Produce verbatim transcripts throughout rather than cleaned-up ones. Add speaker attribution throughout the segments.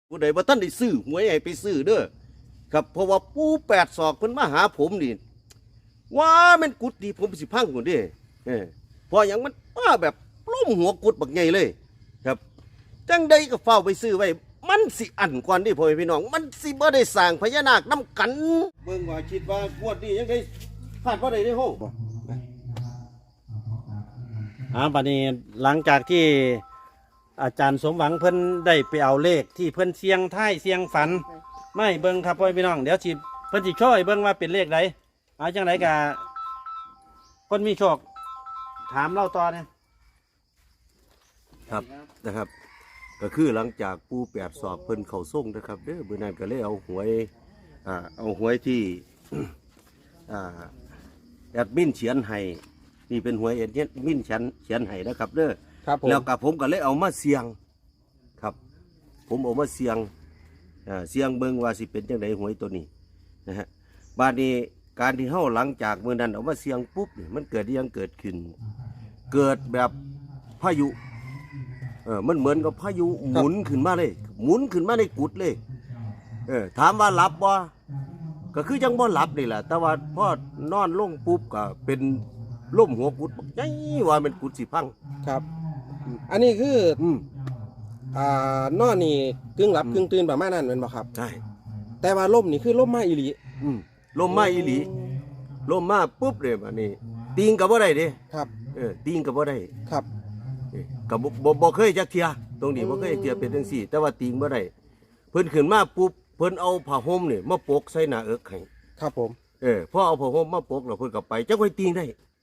Speaker 1: ผู้ใดว่าท่านได้ซื้อหวยให้ไปซื้อเด้อครับเพราะว่าปูแปดศอกเพิ่นมาหาผมนี่ว่ามันกุดดีผมสิพังคนเด้เออพออย่างมันมาแบบล้มหัวกุดบักใหญ่เลยครับจังใดก็เฝ้าไปซื้อไว้มันสิอันก่อนดิพ่อแม่พี่น้องมันสิบ่ได้สร้างพญานาคนํกันเบิ่งว่าคิดว่างวดนี้ยังได้พลาดบ่ได้เด้อโห
Speaker 2: อ่าบัดนี้หลังจากที่อาจารย์สมหวังเพิ่นได้ไปเอาเลขที่เพิ่นเสียงท้ายเสียงฝันไม่เบิ่งครับพ่อพี่น้องเดี๋ยวสิเพิ่นสิช่วยเบิ่งว่าเป็นเลขใดเอาจังไดก็คนมีโชคถามเราต่อเนี่ย
Speaker 1: ครับนะครับ ก็คือหลังจากปูแปดศอกเพิ่นเข้าส่งนะครับเด้อมื้อนั้นก็เลยเอาหวยอ่าเอาหวยที่ อ่าแอดมินเขียนให้นี่เป็นหวยแอดมินเขียนเขียนให้นะครับเด้อ
Speaker 2: ครับผม
Speaker 1: แล้วก็ผมก็เลยเอามาเสี่ยงครับ ผมเอามาเสี่ยงอ่าเสี่ยงเบิ่งว่าสิเป็นจังไดหวยตัวนี้นะฮะบาดนี้การที่เฮาหลังจากมื้อนั้นเอามาเสี่ยงปุ๊บนี่มันเกิดอิหยังเกิดขึ้น เกิดแบบพายุเออมันเหมือนกับพายุหมุนขึ้นมาเลยหมุนขึ้นมาในกุดเลยเออถามว่าหลับบ่ก็คือยังบ่หลับนี่แหละแต่ว่าพอนอนลงปุ๊บก็เป็นล่มหัวกุดบักใหญ่ว่าเป็นกุดสิพัง
Speaker 3: ครับ อันนี้คือ
Speaker 1: อืม
Speaker 3: อ่านอนนี่กึ่งหลับกึ่งตื่นประมาณนั้นเป็นบ่ครับ
Speaker 1: ใช่
Speaker 3: แต่ว่าล่มนี่คือล่มมาอีหลี
Speaker 1: อืมลมมาอีหลีลมมาปุ๊บเลยบัดนี้ติงก็บ่ได้เด้
Speaker 3: ครับ
Speaker 1: เออติงก็บ่ได้
Speaker 3: ครับ
Speaker 1: เออก็บ่บ่บ่เคยจักเที่ยตรงนี้บ่เคยจักเที่ยเป็นจังซี่ แต่ว่าติงบ่ได้เพิ่นขึ้นมาปุ๊บเพิ่นเอาผ้าห่มนี่มาปกใส่หน้าเอิกให้
Speaker 3: ครับผม
Speaker 1: เออพอเอาผ้าห่มมาปกแล้วเพิ่นก็ไปจักไว้ติงได้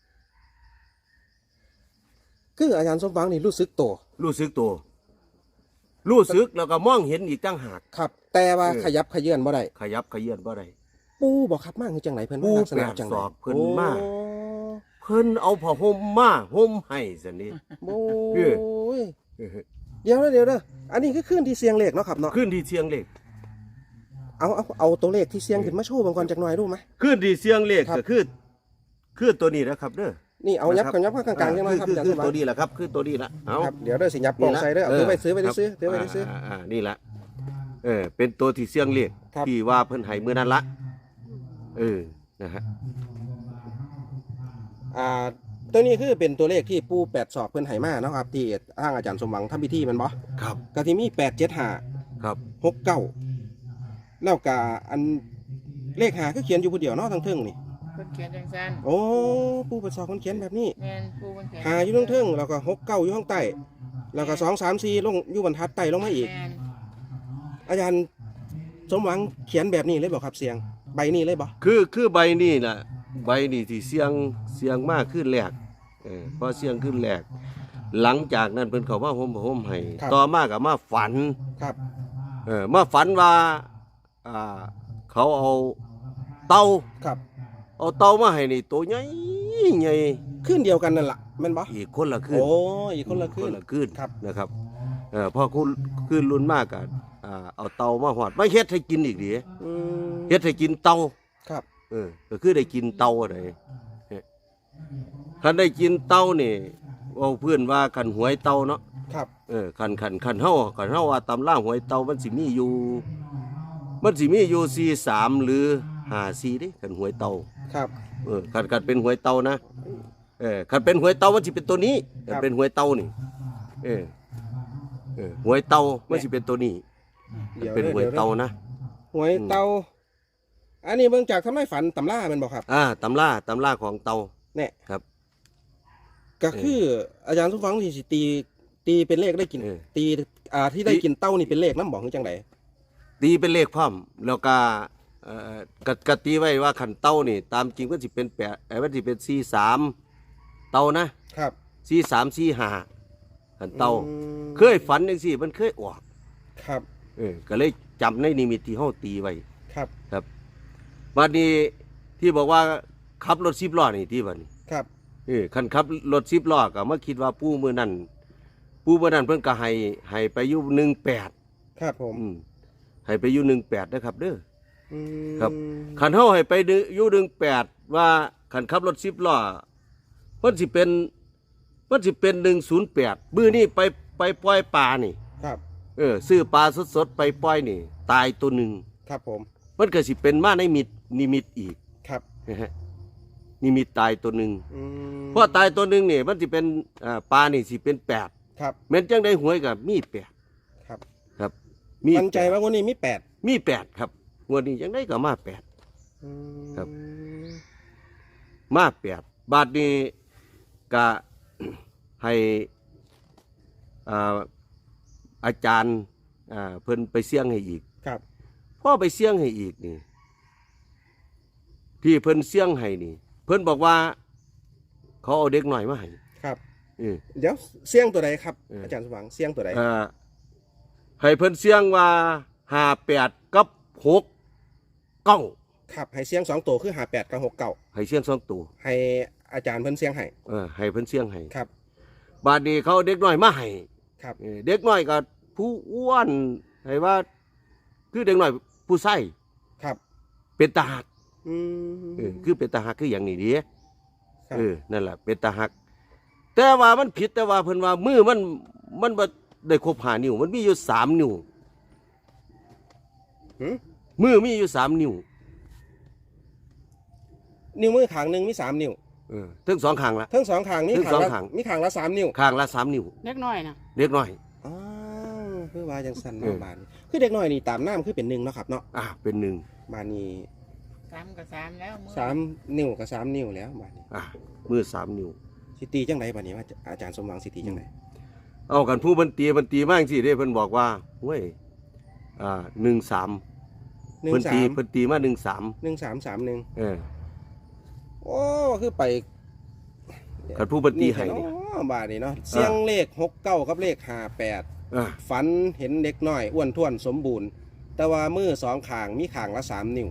Speaker 3: คืออาจารย์สมหวังนี่รู้สึกตัว
Speaker 1: รู้สึกตัวรู้สึกแล้วก็มองเห็นอีกต่างหาก
Speaker 3: ครับ แต่ว่า
Speaker 1: เออ
Speaker 3: ขยับขยื่นบ่ได้
Speaker 1: ขยับขยื่นบ่ได้
Speaker 3: ปูบ่ครับมาคือจังไหนเพิ่น
Speaker 1: ปู
Speaker 3: ว่าลักษณะ
Speaker 1: แปด
Speaker 3: จัง
Speaker 1: ศ
Speaker 3: ได
Speaker 1: อกเพิ่นมา
Speaker 3: โอ้
Speaker 1: เพิ่นเอาผ้าห่มมาห่มให้ซั่นนี่
Speaker 3: โอ้
Speaker 1: เออ
Speaker 3: ยเดี๋ยวนะเดี๋ยวเด้ออันนี้คือคืนที่เสียงเลขเนาะครับเนาะ
Speaker 1: ขึ้นที่เสียงเลข
Speaker 3: เอาเอาเอาตัวเลขที่เสียงขึ้นมาโชว์บางก่อนจักหน่อยรู้ไหม
Speaker 1: ขึ้นที่เสียงเลข
Speaker 3: ครับ
Speaker 1: ก็คือคือตัวนี้นะครับเด้อ
Speaker 3: นี่เอายับ
Speaker 1: นะครับ
Speaker 3: กันยับข้างกลางๆจังหน่อยครับ
Speaker 1: คือ
Speaker 3: อาจารย์
Speaker 1: คื
Speaker 3: ส
Speaker 1: อ
Speaker 3: มหวั
Speaker 1: ตัว
Speaker 3: ง
Speaker 1: นี้แหละครับคือตัวนี้ละเอา
Speaker 3: ครับเดี๋ยวเด้อสิยับปองใส่เด้อเอาถือไปซื้อไปได้ซื้อถือไปได้ซื้อ
Speaker 1: อ่าอ่านี่ละเออเป็นตัวที่เสียงเลข
Speaker 3: ครับ
Speaker 1: ที่ว่าเพิ่นให้มื้อนั้นละเออนะฮะ
Speaker 3: อ่าตัวนี้คือเป็นตัวเลขที่ปูแปดศอกเพิ่นให้มาเนาะครับที่ทางอาจารย์สมหวังทำพิธีแมันบ่
Speaker 1: ครับ
Speaker 3: ก็ที่มีแปดเจ็ดห้า
Speaker 1: ครับ
Speaker 3: หกเก้าแล้วก็อันเลขหาคือเขียนอยู่ผู้เดียวเนาะทั้งเทิงนี่
Speaker 4: เพิ่นเขียนจังซั่น
Speaker 3: โอ้ปูแปดศอกเพิ่นเขียนแบบนี้
Speaker 4: แม่นปูเพิ่นเขียน
Speaker 3: หาอยู่ทั้งเทิงแล้วก็หกเก้าอยู่ข้างใต้แล้วก็สองสามสี่ลงอยู่บรรทัดใต้ลงมาอีก
Speaker 4: แม่น
Speaker 3: อาจารย์สมหวังเขียนแบบนี้เลยบ่ครับเสียงใบนี้เลยบ่
Speaker 1: คือคือใบนี้ล่ะใบนี้ที่เสียงเสียงมากขึ้นแรกเออพอเสียงขึ้นแรกหลังจากนั้นเพิ่นเขามาห่มผ้าห่มให้ต่อมาก็มาฝัน
Speaker 3: ครับ
Speaker 1: เออมาฝันว่าอ่าเขาเอาเต่า
Speaker 3: ครับ
Speaker 1: เอาเต่ามาให้นี่ตัวใหญ่ใหญ่
Speaker 3: ขึ้นเดียวกันนั่นล่ะแม่นบ่
Speaker 1: อีกคนละขึ้น
Speaker 3: โอ้อีกคนละขึ้น
Speaker 1: ละขึ้น
Speaker 3: ครับ
Speaker 1: นะครับเออพอคุณขึ้นรุ่นมากกันอ่าเอาเต่ามาหอดไม่เฮ็ดให้กินอีกดิ
Speaker 3: อืม
Speaker 1: เฮ็ดให้กินเต่า
Speaker 3: ครับ
Speaker 1: เออก็คือได้กินเต่าอะไรคันได้กินเต่านี่เอาเพื่อนว่าคันหวยเต่าเนาะ
Speaker 3: ครับ
Speaker 1: เออคันคันคันเฮาคันเฮาว่าตำล่าหวยเต่ามันสิมีอยู่ มันสิมีอยู่สี่สามหรือห้าสี่ดิคันหวยเต่า
Speaker 3: ครับ
Speaker 1: เออคันคันเป็นหวยเต่านะเออคันเป็นหวยเต่ามันสิเป็นตัวนี้คันเป็นหวยเต่านี่เออเออหวยเต่ามันสิเป็นตัวนี้
Speaker 3: เดี๋ยว
Speaker 1: เป็น
Speaker 3: ด้อ
Speaker 1: หวย
Speaker 3: ดี๋ด้อ
Speaker 1: เต่านะ
Speaker 3: หวยเตาอันนี้เบิ่งจากทำไมฝันตำล่าแมันบอกครับ
Speaker 1: อ่าตำล่าตำล่าของเต่า
Speaker 3: เนี่ย
Speaker 1: ครับ
Speaker 3: ก็คืออาจารย์สุฟังที่สิตีตีเป็นเลขได้กิน
Speaker 1: เออ
Speaker 3: ตีอ่าที่ได้กินเต้านี่เป็นเลขน้ำบอกคือจังได
Speaker 1: ตีเป็นเลขพร้อมแล้วก็เอ่อกกตีไว้ว่าขันเต่านี่ ตามจริงมันสิเป็นแปดไอ้มันสิเป็นสี่สามเต่านะครับ สี่สามสี่ห้าขันเต่า
Speaker 3: อืม
Speaker 1: เคยฝันจังซี่มันเคยออก
Speaker 3: ครับ
Speaker 1: เออก็เลยจำในนิมิตที่เฮาตีไว้
Speaker 3: ครับ
Speaker 1: ครับวันนี้ที่บอกว่าขับรถสิบล้อนี่ที่บัดนี้
Speaker 3: ครับ
Speaker 1: เออคันขับรถสิบล้อก็มาคิดว่าปู่มื้อนั้นปู่มื้อนั้นเพิ่นก็ให้ให้ไปอยู่หนึ่งแปด
Speaker 3: ครับผม
Speaker 1: อืมให้ไปอยู่หนึ่งแปดนะครับเด้อ
Speaker 3: อืม
Speaker 1: ครับ ขันเฮาให้ไปดึอยู่หนึ่งแปดว่าขันขับรถสิบล้อมันสิเป็นมันสิเป็นหนึ่งศูนย์แปดมื้อนี้ไปไปปล่อยปลานี่
Speaker 3: ครับ
Speaker 1: เออซื้อปลาสดๆไปปล่อยนี่ ตายตัวหนึ่ง
Speaker 3: ครับผม
Speaker 1: มันก็สิเป็นมาในมิตนิมิตอีก
Speaker 3: ครับ
Speaker 1: นะฮะนิมิตตายตัวหนึ่ง
Speaker 3: อืม
Speaker 1: เพราะตายตัวหนึ่งนี่มันสิเป็นอ่าปลานี่สิเป็นแปด
Speaker 3: ครับ
Speaker 1: แม้นจังได้หวยกับมีแปด
Speaker 3: ครับ
Speaker 1: ครับ มี
Speaker 3: มั่นใจว่าวันนี้มีแปด
Speaker 1: มีแปดครับงวดนี้จังได้ก็มาแปด
Speaker 3: อืม
Speaker 1: ครับ มาแปดบาทนี้ก็ ให้อ่าอาจารย์อ่าเพิ่นไปเสี่ยงให้อีก
Speaker 3: ครับ
Speaker 1: พ่อไปเสี่ยงให้อีกนี่ ที่เพิ่นเสี่ยงให้นี่ เพิ่นบอกว่า เขาเอาเด็กหน่อยมาให้
Speaker 3: ครับ
Speaker 1: เออ
Speaker 3: เดี๋ยวเสียงตัวใดครับ
Speaker 1: เอออ
Speaker 3: อาจารย์สว่างเสียงตัวใด
Speaker 1: อ่าให้เพิ่นเสี่ยงว่าห้าแปดกับหกเก้า
Speaker 3: ครับให้เสียงสองตัวคือหาแปดกับหกเก้า
Speaker 1: ให้เสี่ยงสองตัว
Speaker 3: ให้อาจารย์เพิ่นเสียงให้
Speaker 1: เออให้เพิ่นเสี่ยงให้
Speaker 3: ครับ
Speaker 1: บาดนี้เขาเอาเด็กน้อยมาให้
Speaker 3: ครับ
Speaker 1: เออเด็กน้อยก็ผู้อ้วนให้ว่า คือเด็กน้อยผู้ใส่
Speaker 3: ครับ
Speaker 1: เป็นตาหัก
Speaker 3: อืม
Speaker 1: เออคือเป็นตาหักคืออย่างนี้ดี
Speaker 3: ครับ
Speaker 1: เออนั่นแหละเป็นตาหัก แต่ว่ามันผิดแต่ว่าเพิ่นว่ามือมันมันบ่ได้ครบห้านิ้ว มันมีอยู่สามนิ้ว
Speaker 3: หืม
Speaker 1: มือมีอยู่สามนิ้ว
Speaker 3: นิ้วมือข้างหนึ่งมีสามนิ้ว
Speaker 1: เออทั้งสองข้างละ
Speaker 3: ทั้งสองข้างมี
Speaker 1: ทั้ง
Speaker 3: ข้าง
Speaker 1: สอง
Speaker 3: ละ
Speaker 1: ข้าง
Speaker 3: มีข้างละสามนิ้ว
Speaker 1: ข้างละสามนิ้ว
Speaker 4: เล็กน้อยนะ
Speaker 1: เด็กน้อย
Speaker 3: อ๋อคือว่าจังสัน
Speaker 1: เออ
Speaker 3: เนาะบานคือเด็กน้อยนี่ตามน้ำคือเป็นหนึ่งเนาะครับเนาะ
Speaker 1: อ่าเป็นหนึ่ง
Speaker 3: บานนี้
Speaker 4: สามกับสามแล้วมือ
Speaker 3: สามนิ้วกับสามนิ้วแล้วบานนี้
Speaker 1: อ่ามือสามนิ้ว
Speaker 3: สิตีจังไดบานนี้ว่าอาจารย์สมหวังสิตีจังได
Speaker 1: เอากันผู้บันตีบันตีมากสิเด้เพิ่นบอกว่าเว้ยอ่าหนึ่งสาม
Speaker 3: หนึ่ง
Speaker 1: เพิ่น
Speaker 3: สา
Speaker 1: ตี
Speaker 3: ม
Speaker 1: เพิ่นตีมาหนึ่งสาม
Speaker 3: หนึ่งสามสามหนึ่ง
Speaker 1: เออ
Speaker 3: โอ้คือไป
Speaker 1: กันผู้บันตีให้
Speaker 3: นี่
Speaker 1: นี่
Speaker 3: เนาะบานนี้เนาะเสียงเลขหกเก้ากับเลขห้าแปด
Speaker 1: อ่า
Speaker 3: ฝันเห็นเด็กน้อยอ้วนท้วนสมบูรณ์ แต่ว่ามือสองข้างมีข้างละสามนิ้ว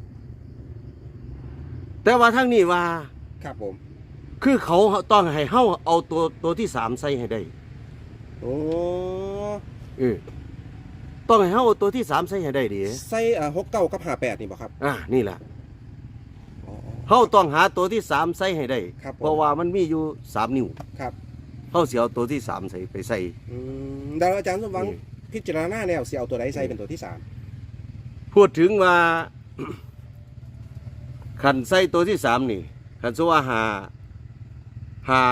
Speaker 1: แต่ว่าทั้งนี้ว่า
Speaker 3: ครับผม
Speaker 1: คือเขาต้องให้เฮาเอาตัวตัวที่สามใส่ให้ได้
Speaker 3: โอ้
Speaker 1: เออต้องให้เฮาเอาตัวที่สามใส่ให้ได้ดิ
Speaker 3: ใส่หกเก้ากับห้าแปดนี่บ่ครับ
Speaker 1: อ่านี่แหละ
Speaker 3: อ๋อ
Speaker 1: เฮาต้องหาตัวที่สามใส่ให้ได้
Speaker 3: ครับผม
Speaker 1: เพราะว่ามันมีอยู่สามนิ้ว
Speaker 3: ครับ
Speaker 1: เฮาสิเอาตัวที่สามใส่ไปใส่
Speaker 3: อืมแล้วอาจารย์สมหวัง
Speaker 1: อืม
Speaker 3: พิจารณาแนวสิเอาตัวใดใส่เป็นตัวที่สาม
Speaker 1: พูดถึงว่า ขันใส่ตัวที่สามนี่ขันสว่าหาหา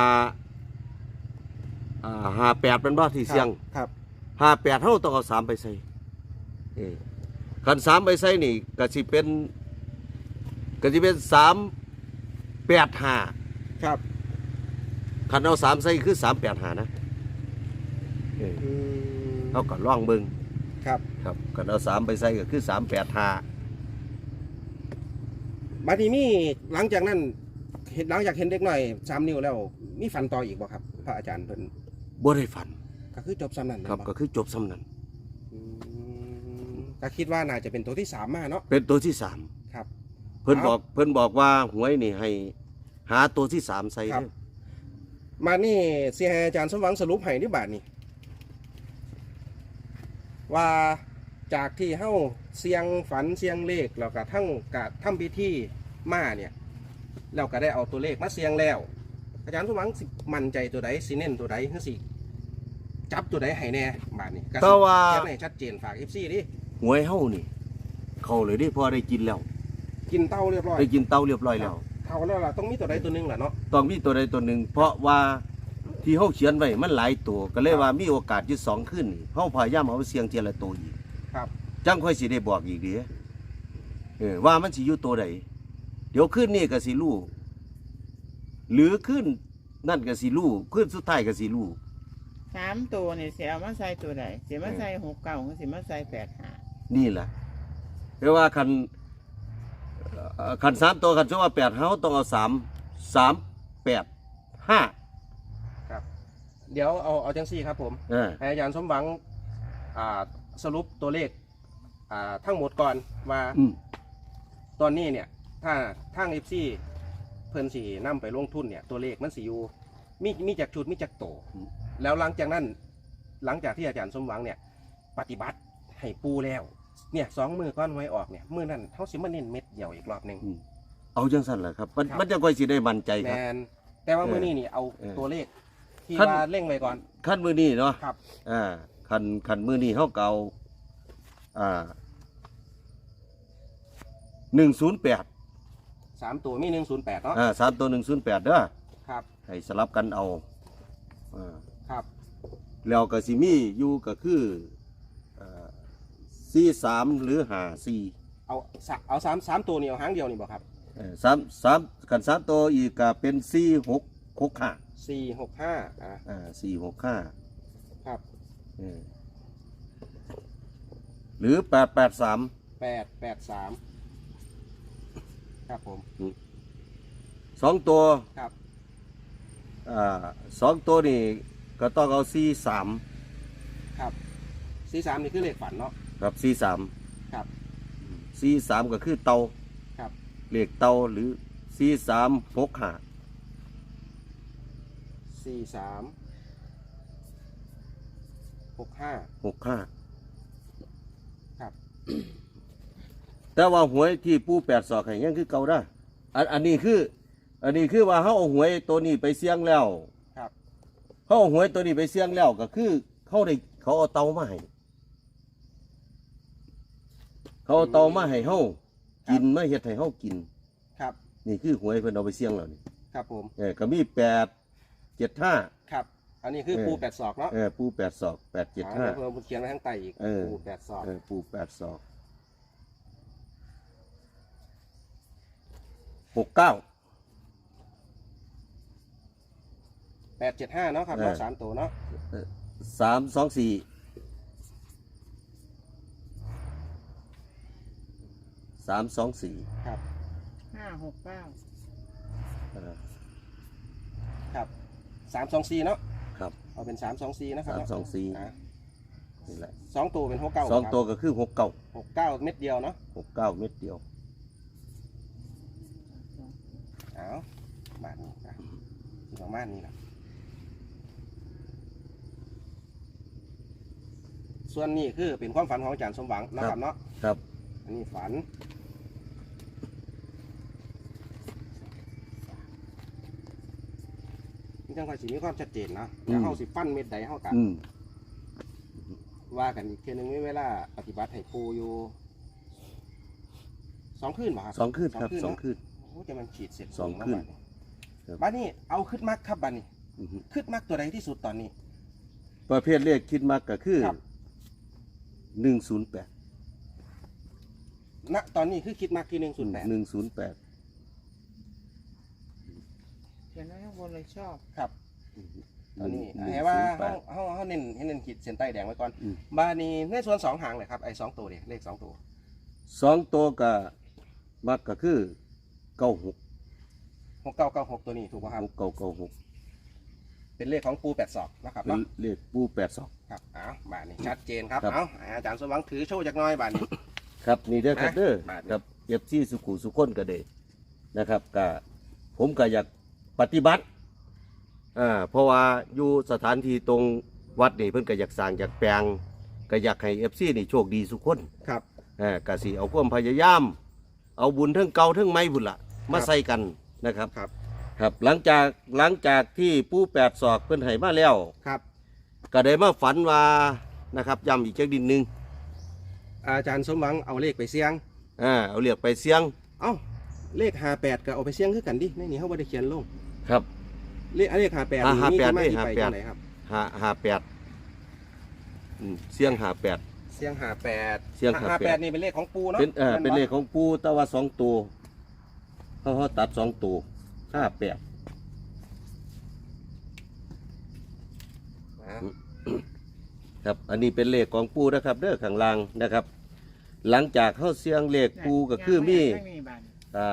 Speaker 1: อ่าหาแปดเป็นบ่ที่เสียง
Speaker 3: ครับ
Speaker 1: หาแปดเฮาต้องเอาสามไปใส่เออขันสามไปใส่นี่ก็สิเป็นก็สิเป็นสามแปดห้า
Speaker 3: ครับ
Speaker 1: ขันเอาสามใส่คือสามแปดห้านะเออ
Speaker 3: อืม
Speaker 1: เขาก็ล่องเบิ่ง
Speaker 3: ครับ
Speaker 1: ครับขันเอาสามไปใส่ก็คือสามแปดห้า
Speaker 3: บัดนี้มีหลังจากนั้นเห็นหลังจากเห็นเด็กน้อยสามนิ้วแล้วมีฝันต่ออีกบ่ครับ พระอาจารย์เพิ่น
Speaker 1: บ่ได้ฝัน
Speaker 3: ก็คือจบซ้ำนั้น
Speaker 1: ครับ
Speaker 3: แม่น
Speaker 1: ก็คือจบสำนั้น
Speaker 3: อืมก็คิดว่าน่าจะเป็นตัวที่สามมาเนาะ
Speaker 1: เป็นตัวที่สาม
Speaker 3: ครับ
Speaker 1: เพิ่น
Speaker 3: ครับ
Speaker 1: บอกเพิ่นบอกว่าหวยนี่ให้หาตัวที่สามใส่
Speaker 3: ครับ
Speaker 1: เด้อ
Speaker 3: มานี่เสียให้อาจารย์สมหวังสรุปให้ที่บาทนี้ว่าจากที่เฮ้าเสียงฝันเสียงเลขแล้วก็ทั้งกะทำพิธีมาเนี่ยแล้วก็ได้เอาตัวเลขมาเสียงแล้ว อาจารย์สมหวังสิมั่นใจตัวใดสิเน้นตัวใดคือสิจับตัวใดให้แน่บาทนี้ก็
Speaker 1: แต่
Speaker 3: สิ
Speaker 1: ว่า
Speaker 3: เขียนให้ชัดเจนฝาก เอฟ ซี ดิ
Speaker 1: หวยเฮานี่ เข้าเลยเดิพอได้กินแล้ว
Speaker 3: กินเต้าเรียบร้อย
Speaker 1: ได้กินเต้าเรียบร้อยแล้ว
Speaker 3: เท่าแล้วล่ะต้องมีตัวใดตัวหนึงแหละเนาะ
Speaker 1: ต้องมีตัวใดตัวหนึ่งเพราะว่าที่เฮาเขียนไว้มันหลายตัวก็เลยว่ามีโอกาสอยู่สองขึ้นนี่เฮาพยายามเอาเสียงเทียละตัวอีก
Speaker 3: ครับ
Speaker 1: จังค่อยสิได้บอกอีกเด้อเออว่ามันสิอยู่ตัวใดเดี๋ยวขึ้นนี่ก็สิรู้หรือขึ้นนั่นก็สิรู้ขึ้นสุดท้ายก็สิรู้
Speaker 4: สามตัวเนี่ยเสียเอามาใส่ตัวใดเสียมาใส่หกเก้าก็เสียมาใส่แปดห้า
Speaker 1: นี่แหละเรียกว่าคันเอ่อคันสามตัวคันชื่อว่าแปดเฮาต้องเอาสามสามแปดห้า
Speaker 3: ครับ เดี๋ยวเอาเอาจังซี่ครับผม
Speaker 1: เออ
Speaker 3: ให้อาจารย์สมหวังอ่าสรุปตัวเลขอ่าทั้งหมดก่อนว่า
Speaker 1: อืม
Speaker 3: ตอนนี้เนี่ยถ้าทางเอฟซีเพิ่นสีนำไปลงทุนเนี่ยตัวเลขมันสีอยู่มีมีจากชุดมีจากโต แล้วหลังจากนั้นหลังจากที่อาจารย์สมหวังเนี่ยปฏิบัติให้ปูแล้วเนี่ยสองมือก้อนไว้ออกเนี่ยมือนั้นเขาสิมาเน้นเม็ดเดียวอีกรอบหนึ่ง
Speaker 1: อืมเอาจังสั่นแหละครับมัน
Speaker 3: ครับ
Speaker 1: มันจะค่อยสิได้มั่นใจ
Speaker 3: แม
Speaker 1: ครับ
Speaker 3: นแต่ว่า
Speaker 1: เออ
Speaker 3: มือนี้นี่เอา
Speaker 1: เออ
Speaker 3: ตัวเลขที่
Speaker 1: ขั้น
Speaker 3: ว่าเร่งไว้ก่อน
Speaker 1: ขั้นมือนี้เนาะ
Speaker 3: ครับ
Speaker 1: อ่าคันคันมือนี้เฮาเก่าอ่าหนึ่งศูนย์แปด
Speaker 3: สามตัวมีหนึ่งศูนย์แปดเนาะ
Speaker 1: อ่าสามตัวหนึ่งศูนย์แปดเด้อ
Speaker 3: ครับ
Speaker 1: ให้สลับกันเอาอ่า
Speaker 3: ครับ
Speaker 1: แล้วก็สิมีอยู่ก็คือสี่สามหรือห้าสี่
Speaker 3: เอาสะเอาสามสามตัวนี่เอาหางเดียวนี่บ่ครับ
Speaker 1: สามสามกันสามตัวอีกก็เป็นสี่หกหกห้า
Speaker 3: สี่หกห้าอ่ะ
Speaker 1: อ่าสี่หกห้า
Speaker 3: ครับ
Speaker 1: หรือแปดแปดสาม
Speaker 3: แปดแปดสามครับผม
Speaker 1: สองตัว
Speaker 3: ครับ
Speaker 1: อ่าสองตัวนี่ก็ต้องเอาสี่สาม
Speaker 3: ครับสี่สามนี่คือเลขฝันเนาะ
Speaker 1: กับสี่สาม
Speaker 3: ครับ
Speaker 1: สี่สามก็คือเตา
Speaker 3: ครับ
Speaker 1: เลขเตาหรือสี่สามหกห้า
Speaker 3: สี่สามหกห้า
Speaker 1: หกห้า
Speaker 3: ครับ
Speaker 1: แต่ว่าหวยที่ปูแปดศอกให้ยังคือเก่าได้อันอันนี้คือ อันนี้คือว่าเขาเอาหวยตัวนี้ไปเสี่ยงแล้ว
Speaker 3: ครับ
Speaker 1: เขาเอาหวยตัวนี้ไปเสี่ยงแล้วก็คือเขาได้เขาเอาเตามาให้เขาเอาเตามาให้เฮากินมาเฮ็ดให้เฮากิน
Speaker 3: ครับ
Speaker 1: นี่คือหวยเพิ่นเอาไปเสี่ยงแล้วนี่
Speaker 3: ครับผม
Speaker 1: เออก็มีแปดเจ็ดห้า
Speaker 3: ครับ อันนี้คือ
Speaker 1: เออ
Speaker 3: ปูแปดศอกเนาะ
Speaker 1: เออปูแปดศอกแปดเจ็ดห้า
Speaker 3: อ่เพิ่มเขียนไว้ข้างใต้อีก
Speaker 1: เออ
Speaker 3: ปูแปดศอก
Speaker 1: เออปูแปดศอกหกเก้า
Speaker 3: แปดเจ็ดห้าเนาะครับ
Speaker 1: เออ
Speaker 3: เนาะสามตัวเนาะ
Speaker 1: สามสองสี่สามสองสี่
Speaker 3: ครับ
Speaker 4: ห้าหกเก้า
Speaker 3: ครับสามสองสี่เนาะ
Speaker 1: ครับ
Speaker 3: เอาเป็นสามสองสี่นะครับ
Speaker 1: สามสองสี่
Speaker 3: อ่ะ
Speaker 1: นี่แหละ
Speaker 3: สองตัวเป็นหกเก้า
Speaker 1: สองตัวก็คือหกเก้า
Speaker 3: หกเก้าเม็ดเดียวเนาะ
Speaker 1: หกเก้าเม็ดเดียว
Speaker 3: เอาบาทนี้อ่ะที่ประมาณนี้นะส่วนนี้คือเป็นความฝันของอาจารย์สมหวังนะค
Speaker 1: ครั
Speaker 3: รับบ เนาะ
Speaker 1: ครับ
Speaker 3: อันนี้ฝันนี่จังหวะสีมีความชัดเจนนะแล้วเขาสิฟันเม็ดใดเขากัน
Speaker 1: อืม
Speaker 3: ว่ากันอีกเทีนึงมีเวลาปฏิบัติให้ปูอยู่สองคืนป่ะครับ
Speaker 1: สองคืนครับสอง
Speaker 3: เนาะ
Speaker 1: คืน
Speaker 3: โอ้จะมันฉีดเสร็จ
Speaker 1: สองคืน
Speaker 3: แล้วบัดนี้บัดนี้เอาขึ้นมักครับบัดนี้
Speaker 1: อือฮึ
Speaker 3: ขึ้นมักตัวใดที่สุดตอนนี้
Speaker 1: ประเภทเลขคิดมากก็คือ
Speaker 3: ครับ
Speaker 1: หนึ่งศูนย์แปด
Speaker 3: ณตอนนี้คือคิดมักที่หนึ่งศูนย์แปด
Speaker 1: หนึ่งศูนย์แปด
Speaker 4: เขียนไว้ข้างบนเลยชอบ
Speaker 3: ครับตอนนี้ให้ว่าเขาเขาเขาเน้นให้เน้นขีดเส้นใต้แดงไว้ก่อน
Speaker 1: อืม
Speaker 3: บาดนี้ในส่วนสองหางเลยครับไอ้สองตัวเนี่ยเลขสองตัว
Speaker 1: สองตัวก็มักก็คือเก้าหก
Speaker 3: หกเก้าเก้าหกตัวนี้ถูกป่ะครับ
Speaker 1: หกเก้าเก้าหก
Speaker 3: เป็นเลขของปูแปดศอกนะครับ
Speaker 1: เป็น
Speaker 3: เนาะ
Speaker 1: เลขปูแปดสอง
Speaker 3: ครับเอาบาดนี้ชัดเจนครับ
Speaker 1: ครับ
Speaker 3: เอาอาจารย์สมหวังถือโชว์จากหน้อยบาดนี้
Speaker 1: ครับนี่เด้อครับ
Speaker 3: นะ
Speaker 1: เด้อ
Speaker 3: มาเด้อ
Speaker 1: ครับเก็บที่สุขุสุขคนก็ได้นะครับก็ผมก็อยากปฏิบัติอ่าเพราะว่าอยู่สถานที่ตรงวัดนี่เพิ่นก็อยากสร้างอยากแปลงก็อยากให้เอฟซีนี่โชคดีสุขคน
Speaker 3: ครับ
Speaker 1: อ่ากสิเอาความพยายาม เอาบุญเทั้งเก่าเทั้งใหม่บุญละมาใส่กันนะครับ
Speaker 3: ครับ
Speaker 1: ครับหลังจากหลังจากที่ปู่แปดศอกเพิ่นให้มาแล้ว
Speaker 3: ครับ
Speaker 1: ก็ได้มาฝันว่านะครับย้ำอีกจักดินหนึ่ง
Speaker 3: อาจารย์สมหวังเอาเลขไปเสี่ยง
Speaker 1: อ่าเอาเรียกไปเสียง
Speaker 3: เอ้าเลขห้าแปดก็เอาไปเสี่ยงคือกันดิในนี้เขาไม่ได้เขียนลง
Speaker 1: ครับ
Speaker 3: เลขเลขห้าแปด
Speaker 1: อ่า
Speaker 3: นี่
Speaker 1: ห้าแปด
Speaker 3: ที่มาที่ไป
Speaker 1: เลขห้าแปด
Speaker 3: จังไหนครับ
Speaker 1: ห้าห้าแปดอืมเสียงห้าแปด
Speaker 3: เสี่ยงห้าแปด
Speaker 1: เสี่ยงห้าแปด
Speaker 3: นี่เป็นเลขของปูเนาะ
Speaker 1: เป็นเออเป็นเลข
Speaker 3: ข
Speaker 1: ของปู่แต่ว่าสองตัวเขาเขาตัดสองตัวห้าแปด ครับ อันนี้เป็นเลขของปูนะครับเด้อข้างล่างนะครับ หลังจากเข้าเสียงเลขปูก็คือมี
Speaker 4: ไม่มีบาน
Speaker 1: อ่า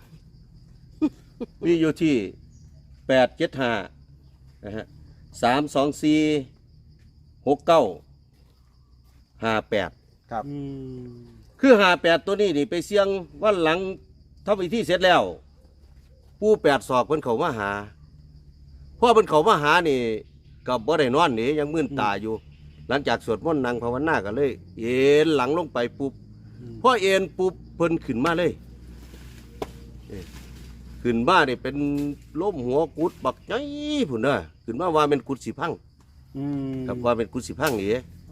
Speaker 1: มีอยู่ที่แปดเจ็ดห้านะฮะสามสองสี่หกเก้าห้าแปด
Speaker 3: ครับ
Speaker 2: อืม
Speaker 1: คือห้าแปดตัวนี้นี่ไปเสียงวันหลังทำพิธีเสร็จแล้ว ปูแปดศอกเพิ่นเขามาหาเพราะเพิ่นเขามาหานี่กับบ่ได้นอนนี่ยังมึนตาอยู่ หลังจากสวดมนต์นั่งภาวนากันเลย เอ็นหลังลงไปปุ๊บพอเอ็นปุ๊บเพิ่นขึ้นมาเลยเอ้ยขึ้นมานี่เป็นล้มหัวกุดบักใหญ่พุ่นน่ะขึ้นมาว่าเป็นกุดสิพัง
Speaker 2: อืม
Speaker 1: ครับว่าเป็นกุดสิพังนี่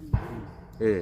Speaker 1: เออ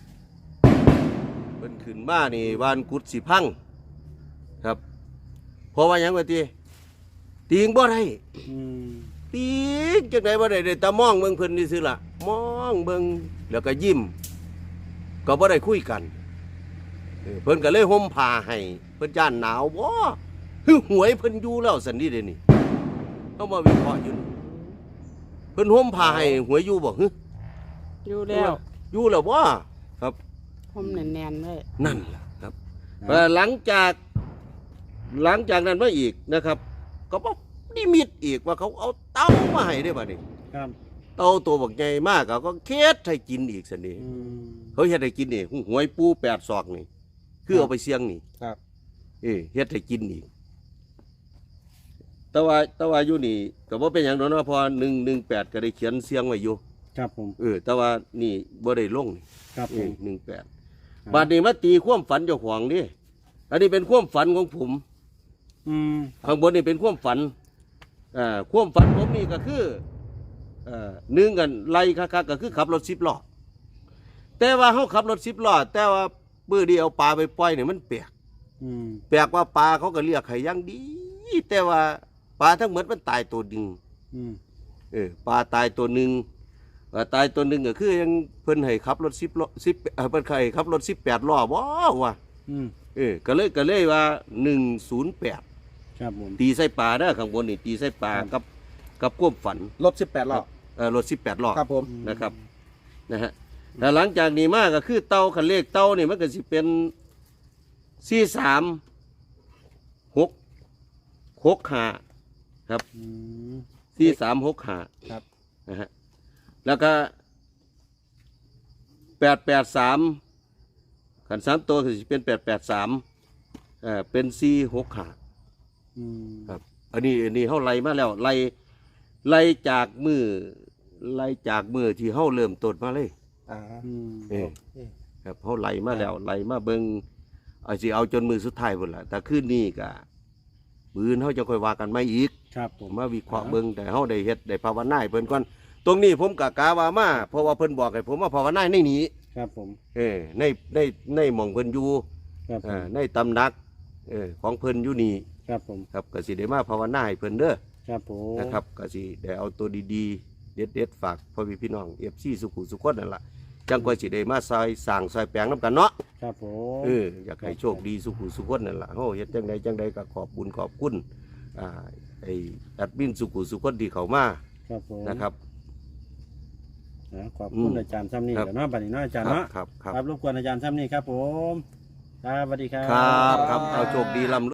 Speaker 1: เพิ่นขึ้นมานี่วานกุดสิพังครับเพราะว่าหยังว่าติตีงบ่ได้
Speaker 2: อืม
Speaker 1: ตีงจังได๋บ่ได้ได้แต่มองเบิ่งเพิ่นนี่ซื่อล่ะมองเบิ่งแล้วก็ยิ้มก็บ่ได้คุยกันเออเพิ่นก็เลยห่มผ้าให้เพิ่นย่านหนาวบ่ฮึหวยเพิ่นอยู่แล้วซั่นนี่เด้นี่เฮามาวิเคราะห์อยู่นี่เพิ่นห่มผ้าให้หวยอยู่บ่ฮึ
Speaker 5: อยู่แล้ว
Speaker 1: อยู่แล้วบ่ครับ
Speaker 5: ผมแน่นๆเลย
Speaker 1: นั่นล่ะครับเอ่อหลังจากหลังจากนั้นมาอีกนะครับ ก็บอกนิมิตอีกว่าเขาเอาเต้ามาให้ได้บ่นี่
Speaker 2: ครับ
Speaker 1: เต้าตัวบักใหญ่มากเขาก็เค็ดให้กินอีกสันนี่
Speaker 2: อืม
Speaker 1: เขาเฮ็ดให้กินนี่หวยปูแปดศอกนี่ คือเอาไปเสี่ยงนี่
Speaker 3: ครับ
Speaker 1: เออเฮ็ดให้กินอีกแต่ว่าแต่ว่าอยู่นี่ก็บ่เป็นหยังดอกเนาะเพอหนึ่งหนึ่งแปดก็ได้เขียนเสียงไว้อยู่
Speaker 2: ครับผม
Speaker 1: เออแต่ว่านี่บ่ได้ลงนี่
Speaker 2: ครับ
Speaker 1: เอ
Speaker 2: ผ
Speaker 1: อ
Speaker 2: ม
Speaker 1: หนึ่งแปดบาดนี้มาตีความฝันเจ้าของนี่อันนี้เป็นความฝันของผม
Speaker 2: อืม
Speaker 1: ข้างบนนี่เป็นความฝันอ่าความฝันผมนี่ก็คือเอ่อหนึ่งกันไล่คักๆก็คือขับรถสิบล้อแต่ว่าเขาขับรถสิบล้อแต่ว่าปื้อเดียวปลาไปปล่อยเนี่ยมันแปลก
Speaker 2: อืม
Speaker 1: แปลกว่าปลาเขาก็เรียกไข่ย่างดี แต่ว่าปลาทั้งหมดมันตายตัวหนึ่ง
Speaker 2: อืม
Speaker 1: เออปลาตายตัวหนึ่งเอ่อตายตัวหนึ่งก็คือยังเพิ่นให้ขับรถสิบล้อสิบเอ่อเพิ่นให้ขับรถสิบแปดล้อว้าวว่ะ
Speaker 2: อืม
Speaker 1: เออก็เลยก็เลยว่าหนึ่งศูนย์แปด
Speaker 2: ครับผม
Speaker 1: ตีใส่ปลาเด้อข้างบนนี่ตีใส่ปลา
Speaker 2: ครับ
Speaker 1: กับกับความฝัน
Speaker 3: รถสิบแปดล้อ
Speaker 1: เออรถสิบแปดล้อ
Speaker 3: ครับผม
Speaker 1: นะครับนะฮะแต่หลังจากนี้มาก็คือเต้าคันเลขเต้านี่มันก็สิเป็นสี่สามหกหกห้าครับ
Speaker 2: อืม
Speaker 1: สี่สามหกห้า
Speaker 2: ครับ
Speaker 1: นะฮะแล้วก็แปดแปดสามขันสามตัวก็สิเป็นแปดแปดสามเออเป็นสี่หกห้า
Speaker 2: อืม
Speaker 1: ครับอันนี้อันนี้เขาไล่มาแล้วไล่ไล่จากมือไล่จากมือที่เขาเริ่มต้นมาเลย
Speaker 3: อ่า
Speaker 2: อืม
Speaker 1: เออครับเขาไล่มาแล้วไล่มาเบิงเอาสิเอาจนมือสุดท้ายหมดละแต่คืนนี้ก็มือเขาจะค่อยว่ากันไม่อีก
Speaker 2: ครับผ
Speaker 1: ผม มมาวิเคราะห์เบิงแต่เขาได้เฮ็ดได้ภาวนาให้เพิ่นก่อนตรงนี้ผมกะกาว่ามาเพราะว่าเพิ่นบอกให้ผมมาภาวนาในนี้
Speaker 2: ครับผม
Speaker 1: เออในในในหม่องเพิ่นอยู่
Speaker 2: ครับผ
Speaker 1: อ่าม ในตำหนักเออของเพิ่นอยู่นี่
Speaker 2: ครับผม
Speaker 1: ครับก็สิได้มาภาวนาให้เพิ่นเด้อ
Speaker 2: ครับผม
Speaker 1: นะครับก็สิได้เอาตัวดีๆ เด็ดๆฝากพ่อพี่พี่น้องเอฟซีสุขุสุขคนนั่นล่ะจังก็สิได้มาซอยสร้างซอยแปลงน้ำกันเนาะ
Speaker 2: ครับผม
Speaker 1: เอออยากให้โชคดีสุขุสุขคนนั่นล่ะเฮาเฮ็ดจังใดจังใดก็ขอบบุญขอบคุณอ่าไอ้แอดมินสุขุสุขคนที่เข้ามา
Speaker 2: ครับผม
Speaker 1: นะครับ
Speaker 2: นะขอบ
Speaker 1: อื
Speaker 2: คุณ
Speaker 1: ม
Speaker 2: อาจารย์ซ้ำนี่
Speaker 1: ครับ
Speaker 2: เดี๋ยวเนาะบัดนี้เนาะอาจารย์
Speaker 1: ครับ
Speaker 2: เนาะ
Speaker 1: ครับครับ
Speaker 2: ครับรบกวนอาจารย์ซ้ำนี่ครับผมครับสวัสดีครับ
Speaker 1: ครับครับเอาโชคดีลำ